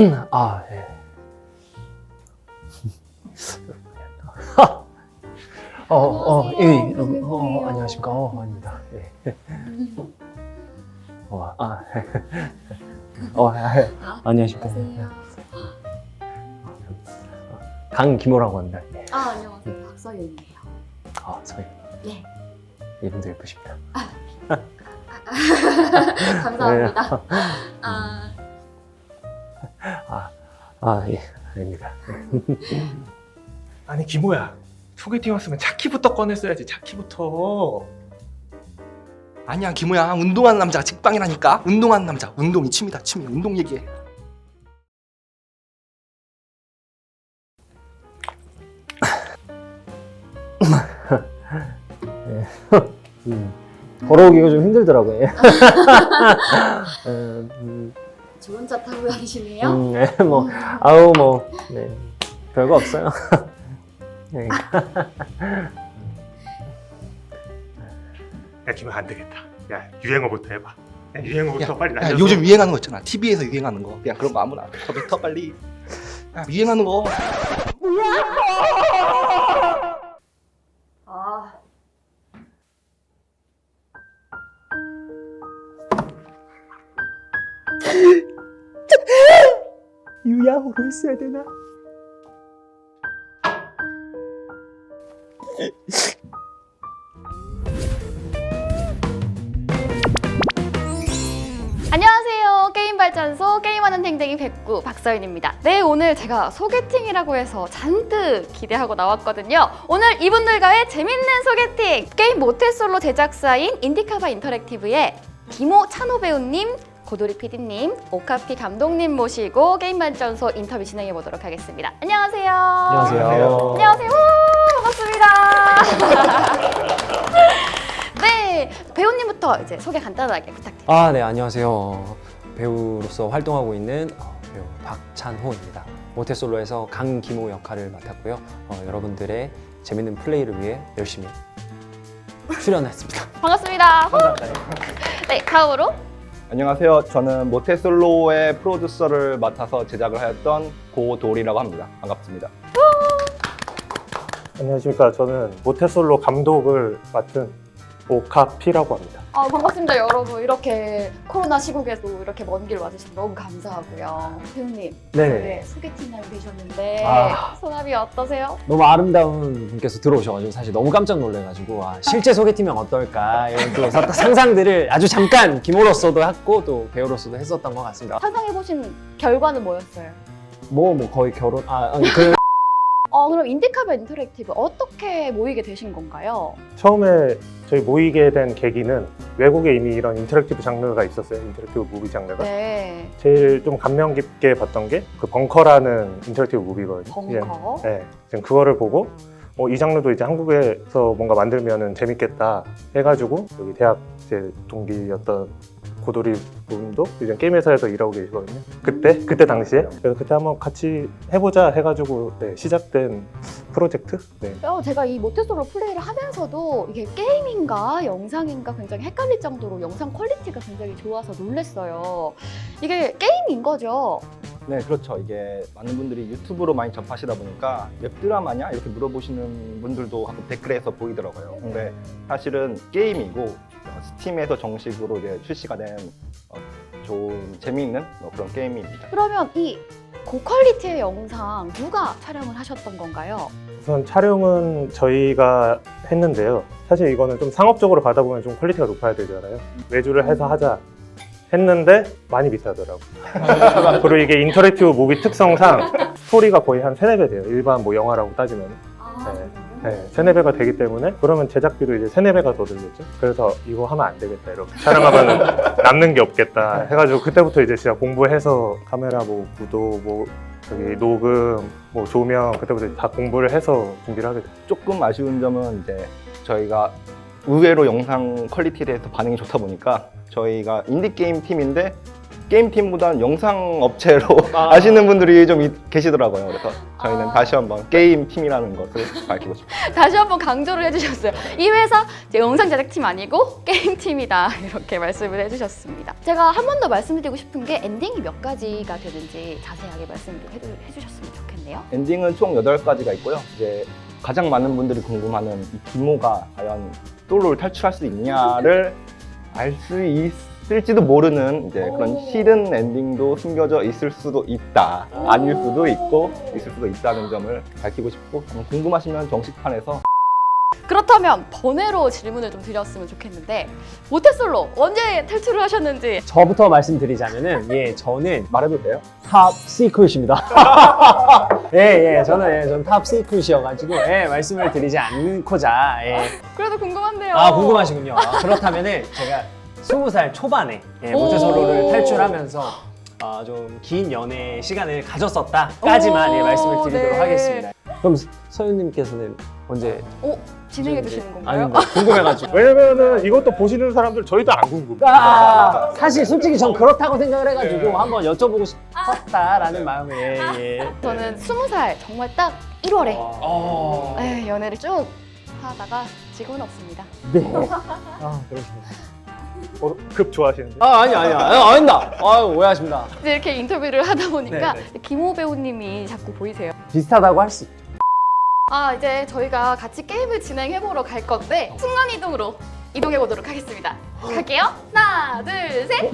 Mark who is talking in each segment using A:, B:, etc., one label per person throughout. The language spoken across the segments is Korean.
A: 아, 예. 예. 안녕하십니까. 아닙니다. 예. 안녕하십니까. 강기모라고 합니다. 예.
B: 안녕하세요. 박서윤이에요.
A: 서희.
B: 네.
A: 이분도 예쁘십니다.
B: 감사합니다.
A: 예. 아닙니다.
C: 아니 기모야, 소개팅 왔으면 차키부터 꺼냈어야지. 차키부터.
D: 아니야 기모야, 운동하는 남자가 직방이라니까. 운동하는 남자, 운동이 취미다. 취미, 운동 얘기해.
A: 걸어오기가 좀 힘들더라고요.
B: 좋은 차 타고 다니시네요.
A: 네, 별거 없어요. 네.
C: 야 기모 안 되겠다. 야 유행어부터 해봐. 야, 유행어부터 빨리
D: 야,
C: 날려서.
D: 요즘 유행하는 거 있잖아. TV에서 유행하는 거. 그냥 그런 거 아무나 더 뱉어 빨리. 야, 유행하는 거.
A: 유야호를 써야 되나?
B: 안녕하세요. 게임발전소 게임하는 댕댕이 백구 박서윤입니다. 네, 오늘 제가 소개팅이라고 해서 잔뜩 기대하고 나왔거든요. 오늘 이분들과의 재밌는 소개팅! 게임 모태솔로 제작사인 인디카바 인터랙티브의 기모 찬호 배우님, 고도리 PD님, 오카피 감독님 모시고 게임발전소 인터뷰 진행해 보도록 하겠습니다. 안녕하세요.
A: 안녕하세요.
B: 안녕하세요. 반갑습니다. 네, 배우님부터 이제 소개 간단하게 부탁드립니다.
A: 네, 안녕하세요. 배우로서 활동하고 있는 배우 박찬호입니다. 모태솔로에서 강기모 역할을 맡았고요. 여러분들의 재밌는 플레이를 위해 열심히 출연했습니다.
B: 반갑습니다. 네, 다음으로
E: 안녕하세요. 저는 모태솔로의 프로듀서를 맡아서 제작을 하였던 고도리라고 합니다. 반갑습니다.
C: 안녕하십니까. 저는 모태솔로 감독을 맡은 오카피라고 합니다.
B: 반갑습니다, 여러분. 이렇게 코로나 시국에도 이렇게 먼 길 와주셔서 너무 감사하고요. 배우님,
A: 네.
B: 소개팅 날 되셨는데
A: 아.
B: 소감이 어떠세요?
A: 너무 아름다운 분께서 들어오셔가지고 사실 너무 깜짝 놀래가지고 실제 소개팅이면 어떨까 이런 또 상상들을 아주 잠깐 기모로서도 했고 또 배우로서도 했었던 것 같습니다.
B: 상상해보신 결과는 뭐였어요?
A: 거의 결혼
B: 그럼 인디카바 인터랙티브 어떻게 모이게 되신 건가요?
C: 처음에 저희 모이게 된 계기는 외국에 이미 이런 인터랙티브 장르가 있었어요. 인터랙티브 무비 장르가.
B: 네,
C: 제일 좀 감명 깊게 봤던 게 그 벙커라는 인터랙티브 무비거든요.
B: 벙커.
C: 네, 지금 그거를 보고 이 장르도 이제 한국에서 뭔가 만들면은 재밌겠다 해가지고 여기 대학 제 동기였던 고도리 분도 이제 게임 회사에서 일하고 계시거든요. 그때 당시에 그래서 그때 한번 같이 해보자 해가지고 시작된 프로젝트. 네.
B: 제가 이 모태솔로 플레이를 하면서도 이게 게임인가 영상인가 굉장히 헷갈릴 정도로 영상 퀄리티가 굉장히 좋아서 놀랐어요. 이게 게임인 거죠?
E: 네, 그렇죠. 이게 많은 분들이 유튜브로 많이 접하시다 보니까 웹드라마냐? 이렇게 물어보시는 분들도 가끔 댓글에서 보이더라고요. 근데 사실은 게임이고 스팀에서 정식으로 이제 출시가 된 좋은 재미있는 그런 게임입니다.
B: 그러면 이 고퀄리티의 영상 누가 촬영을 하셨던 건가요?
C: 우선 촬영은 저희가 했는데요. 사실 이거는 좀 상업적으로 받아보면 좀 퀄리티가 높아야 되잖아요. 외주를 해서 하자 했는데 많이 비싸더라고요. 그리고 이게 인터랙티브 무비 특성상 스토리가 거의 한 3-4배 돼요. 일반 뭐 영화라고 따지면. 네, 3-4배가 되기 때문에 그러면 제작비도 이제 3-4배가 더 들겠죠. 그래서 이거 하면 안 되겠다. 이렇게 촬영하면 남는 게 없겠다 해가지고 그때부터 이제 진짜 공부해서 카메라 구도 저기 녹음 조명 그때부터 다 공부를 해서 준비를 하게 됐죠.
E: 조금 아쉬운 점은 이제 저희가 의외로 영상 퀄리티에 대해서 반응이 좋다 보니까 저희가 인디게임 팀인데 게임팀보다는 영상 업체로 아시는 분들이 좀 계시더라고요. 그래서 저희는 다시 한번 게임팀이라는 것을 밝히고 싶습니다.
B: 다시 한번 강조를 해주셨어요. 이 회사 이제 영상 제작팀 아니고 게임팀이다 이렇게 말씀을 해주셨습니다. 제가 한 번 더 말씀드리고 싶은 게 엔딩이 몇 가지가 되는지 자세하게 말씀을 해주셨으면 좋겠네요.
E: 엔딩은 총 8가지가 있고요. 이제 가장 많은 분들이 궁금하는 이 기모가 과연 솔로를 탈출할 수 있냐를 알 수 있을지도 모르는 이제 그런 히든 엔딩도 숨겨져 있을 수도 있다. 아닐 수도 있고 있을 수도 있다는 점을 밝히고 싶고 한번 궁금하시면 정식판에서
B: 그렇다면 번외로 질문을 좀 드렸으면 좋겠는데 모태솔로 언제 탈출을 하셨는지.
A: 저부터 말씀드리자면은 저는
E: 말해도 돼요?
A: 탑 시크릿입니다. 저는 탑 시크릿이어가지고 말씀을 드리지 않고자
B: 그래도 궁금한데요.
A: 궁금하시군요. 그렇다면은 제가 20살 초반에 모태솔로를 탈출하면서 좀 긴 연애 시간을 가졌었다까지만 말씀을 드리도록
B: 네.
A: 하겠습니다. 그럼 서윤님께서는 언제?
B: 진행해 주시는 건가요?
A: 아니 궁금해가지고.
C: 왜냐면은 이것도 보시는 사람들 저희도 안 궁금.
A: 사실 솔직히 전 그렇다고 생각을 해가지고 한번 여쭤보고 싶었다라는 마음에
B: 저는 20살 정말 딱 1월에 연애를 쭉 하다가 지금은 없습니다.
A: 네. 그러시군요.
C: 급 좋아하시는데.
A: 아닙니다. 오해하십니다.
B: 이제 이렇게 인터뷰를 하다 보니까
C: 네,
B: 김호 배우님이 자꾸 보이세요.
A: 비슷하다고 할 수 있죠.
B: 이제 저희가 같이 게임을 진행해보러 갈 건데 순간이동으로 이동해보도록 하겠습니다. 갈게요. 하나, 둘, 셋!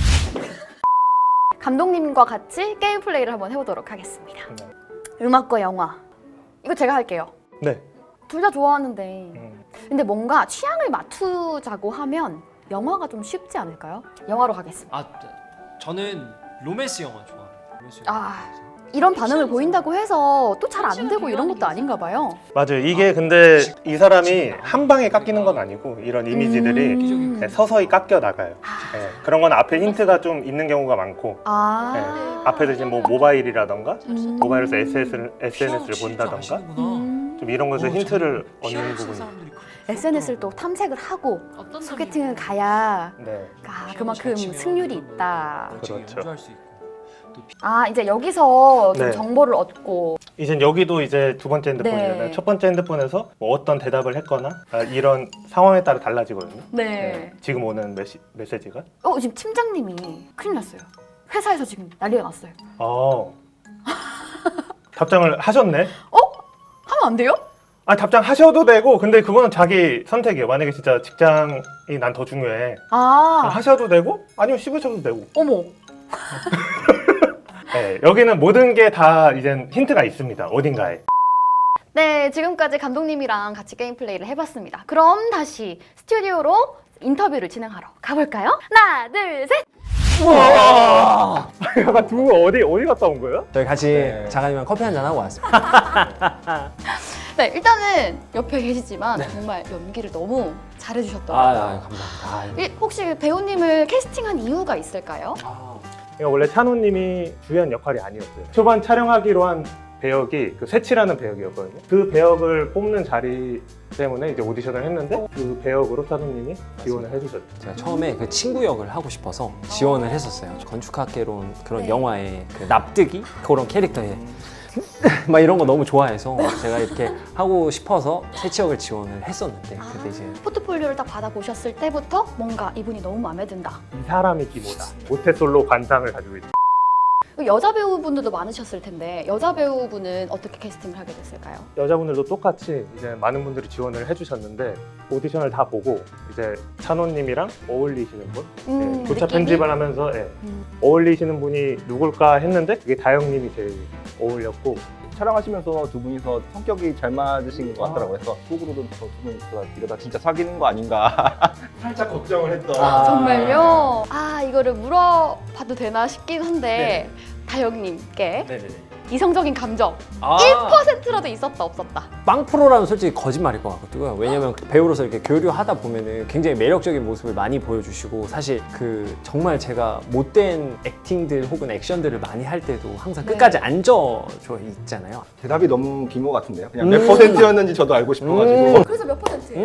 B: 감독님과 같이 게임 플레이를 한번 해보도록 하겠습니다. 음악과 영화. 이거 제가 할게요.
C: 네.
B: 둘 다 좋아하는데 근데 뭔가 취향을 맞추자고 하면 영화가 좀 쉽지 않을까요? 영화로 가겠습니다.
A: 저는 로맨스 영화 좋아해요. 로맨스
B: 이런 반응을 보인다고 해서 또 잘 안 되고 이런 것도 아닌가 봐요.
C: 맞아요. 이게 근데 이 사람이 한 방에 깎이는 건 아니고 이런 이미지들이
B: 음.
C: 서서히 깎여 나가요. 그런 건 앞에 힌트가 좀 있는 경우가 많고 앞에서 이제 뭐 모바일이라던가 모바일에서 SNS를 본다던가 좀 이런 것에서 힌트를 얻는 부분이
B: SNS를 또 탐색을 하고 소개팅을 가야
C: 네.
B: 그만큼 승률이 있다.
C: 그렇죠.
B: 이제 여기서 좀
C: 네.
B: 정보를 얻고
C: 이젠 여기도 이제 두 번째 핸드폰이잖아요.
B: 네.
C: 첫 번째 핸드폰에서 뭐 어떤 대답을 했거나 이런 상황에 따라 달라지거든요.
B: 네.
C: 지금 오는 메시지가.
B: 지금 팀장님이 큰일 났어요. 회사에서 지금 난리가 났어요.
C: 답장을 하셨네.
B: 하면 안 돼요?
C: 답장하셔도 되고 근데 그거는 자기 선택이에요. 만약에 진짜 직장이 난 더 중요해. 하셔도 되고 아니면 씹으셔도 되고.
B: 어머.
C: 네, 여기는 모든 게 다 이젠 힌트가 있습니다. 어딘가에.
B: 네, 지금까지 감독님이랑 같이 게임 플레이를 해봤습니다. 그럼 다시 스튜디오로 인터뷰를 진행하러 가볼까요? 하나, 둘, 셋!
C: 약간 두 분 어디 갔다 온 거예요?
A: 저희 같이 작가님이랑 커피 한잔 하고 왔습니다.
B: 네, 일단은 옆에 계시지만 정말 연기를 너무 잘해주셨더라고요.
A: 감사합니다.
B: 혹시 배우님을 캐스팅한 이유가 있을까요?
C: 원래 찬호님이 주연 역할이 아니었어요. 초반 촬영하기로 한 배역이 그 세치라는 배역이었거든요. 그 배역을 뽑는 자리 때문에 이제 오디션을 했는데 그 배역으로 찬호님이 지원을 해주셨죠.
A: 제가 처음에 그 친구 역을 하고 싶어서 지원을 했었어요. 건축학개론 그런 영화의 그 납득이 그런 캐릭터에 막 이런 거 너무 좋아해서 제가 이렇게 하고 싶어서 세치 역을 지원을 했었는데 근데 이제
B: 포트폴리오를 딱 받아보셨을 때부터 뭔가 이분이 너무 마음에 든다.
C: 이 사람이 기모다. 모태솔로 관상을 가지고 있죠.
B: 여자 배우분들도 많으셨을 텐데 여자 배우분은 어떻게 캐스팅을 하게 됐을까요?
C: 여자분들도 똑같이 이제 많은 분들이 지원을 해주셨는데 오디션을 다 보고 이제 찬호님이랑 어울리시는 분, 조차
B: 느낌이?
C: 편집을 하면서 어울리시는 분이 누굴까 했는데 그게 다영님이 제일 어울렸고
E: 촬영하시면서 두 분이서 성격이 잘 맞으신 것 같더라고요. 그래서 속으로도 저 두 분 이러다 진짜 사귀는 거 아닌가 살짝 걱정을 했던.
B: 정말요? 이거를 물어봐도 되나 싶긴 한데 다영님께 이성적인 감정 1%라도 있었다 없었다?
A: 빵 프로라면 솔직히 거짓말일 것 같고요. 왜냐면 배우로서 이렇게 교류하다 보면은 굉장히 매력적인 모습을 많이 보여주시고 사실 그 정말 제가 못된 액팅들 혹은 액션들을 많이 할 때도 항상 끝까지 앉아져 있잖아요.
E: 대답이 너무 기모 같은데요. 그냥 몇 %였는지 저도 알고 싶어가지고.
B: 그래서 몇 %예요?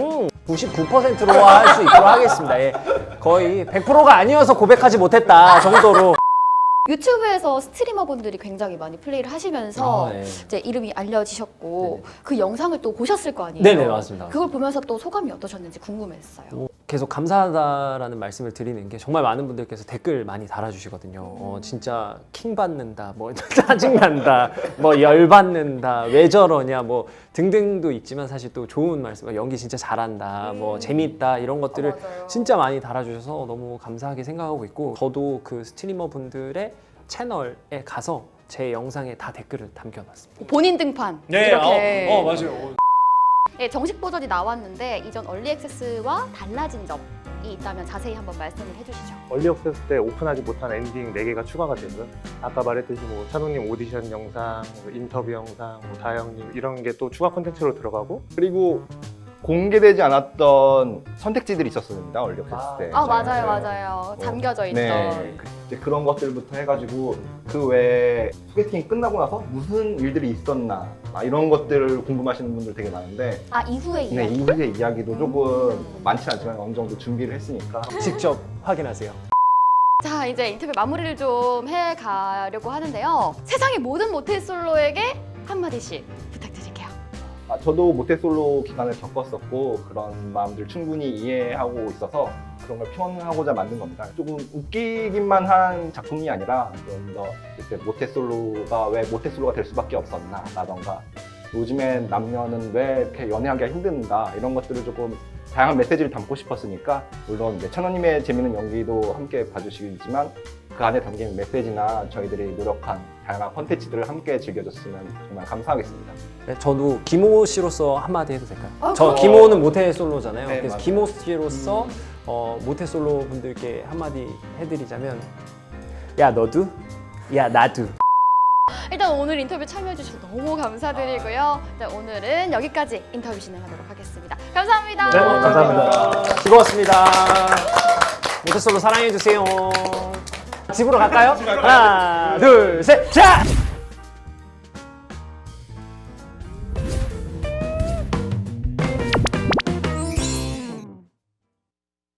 A: 99%로 할 수 있도록 하겠습니다. 예. 거의 100%가 아니어서 고백하지 못했다 정도로.
B: 유튜브에서 스트리머분들이 굉장히 많이 플레이를 하시면서
A: 네.
B: 이제 이름이 알려지셨고
A: 네네.
B: 그 영상을 또 보셨을 거 아니에요?
A: 네네, 맞습니다.
B: 그걸 보면서 또 소감이 어떠셨는지 궁금했어요.
A: 계속 감사하다라는 말씀을 드리는 게 정말 많은 분들께서 댓글 많이 달아주시거든요. 진짜 킹 받는다, 뭐 짜증난다, 뭐 열받는다, 왜 저러냐, 뭐 등등도 있지만 사실 또 좋은 말씀, 연기 진짜 잘한다, 뭐 재밌다 이런 것들을
B: 맞아요.
A: 진짜 많이 달아주셔서 너무 감사하게 생각하고 있고, 저도 그 스트리머 분들의 채널에 가서 제 영상에 다 댓글을 남겨놨습니다.
B: 본인 등판 이렇게
A: 맞아요.
B: 네, 정식 버전이 나왔는데 이전 얼리 액세스와 달라진 점이 있다면 자세히 한번 말씀을 해주시죠.
C: 얼리 액세스 때 오픈하지 못한 엔딩 4개가 추가가 되고요. 아까 말했듯이 뭐 찬호님 오디션 영상, 뭐 인터뷰 영상, 뭐 다영님 이런 게 또 추가 콘텐츠로 들어가고
E: 그리고 공개되지 않았던 선택지들이 있었습니다. 얼리 액세스 때.
B: 아 맞아요, 맞아요. 잠겨져 있던.
E: 네, 이제 그런 것들부터 해가지고 그 외에 소개팅이 끝나고 나서 무슨 일들이 있었나 이런 것들을 궁금하시는 분들 되게 많은데
B: 아 이후의
E: 네,
B: 이야기.
E: 이후의 이야기도 조금 많지 않지만 어느 정도 준비를 했으니까
A: 직접 확인하세요.
B: 자 이제 인터뷰 마무리를 좀 해가려고 하는데요. 세상의 모든 모태솔로에게 한마디씩 부탁드릴게요.
E: 저도 모태솔로 기간을 겪었었고 그런 마음들 충분히 이해하고 있어서 그런 걸 표현하고자 만든 겁니다. 조금 웃기기만 한 작품이 아니라 좀 더 이렇게 모태솔로가 왜 모태솔로가 될 수밖에 없었나 라던가 요즘엔 남녀는 왜 이렇게 연애하기가 힘든가 이런 것들을 조금 다양한 메시지를 담고 싶었으니까 물론 이제 찬호님의 재밌는 연기도 함께 봐주시겠지만 그 안에 담긴 메시지나 저희들이 노력한 다양한 콘텐츠들을 함께 즐겨줬으면 정말 감사하겠습니다.
A: 네, 저도 김호 씨로서 한마디 해도 될까요?
B: 아,
A: 저
B: 그럼.
A: 김호는 모태 솔로잖아요.
E: 네,
A: 그래서
E: 맞아요.
A: 김호 씨로서 모태 솔로 분들께 한마디 해드리자면, 야 너도, 야 나도.
B: 일단 오늘 인터뷰 참여해주셔서 너무 감사드리고요. 네, 오늘은 여기까지 인터뷰 진행하도록 하겠습니다. 감사합니다.
C: 네, 감사합니다.
A: 즐거웠습니다. 모태 솔로 사랑해주세요. 집으로 갈까요? 하나, 둘, 셋, 자!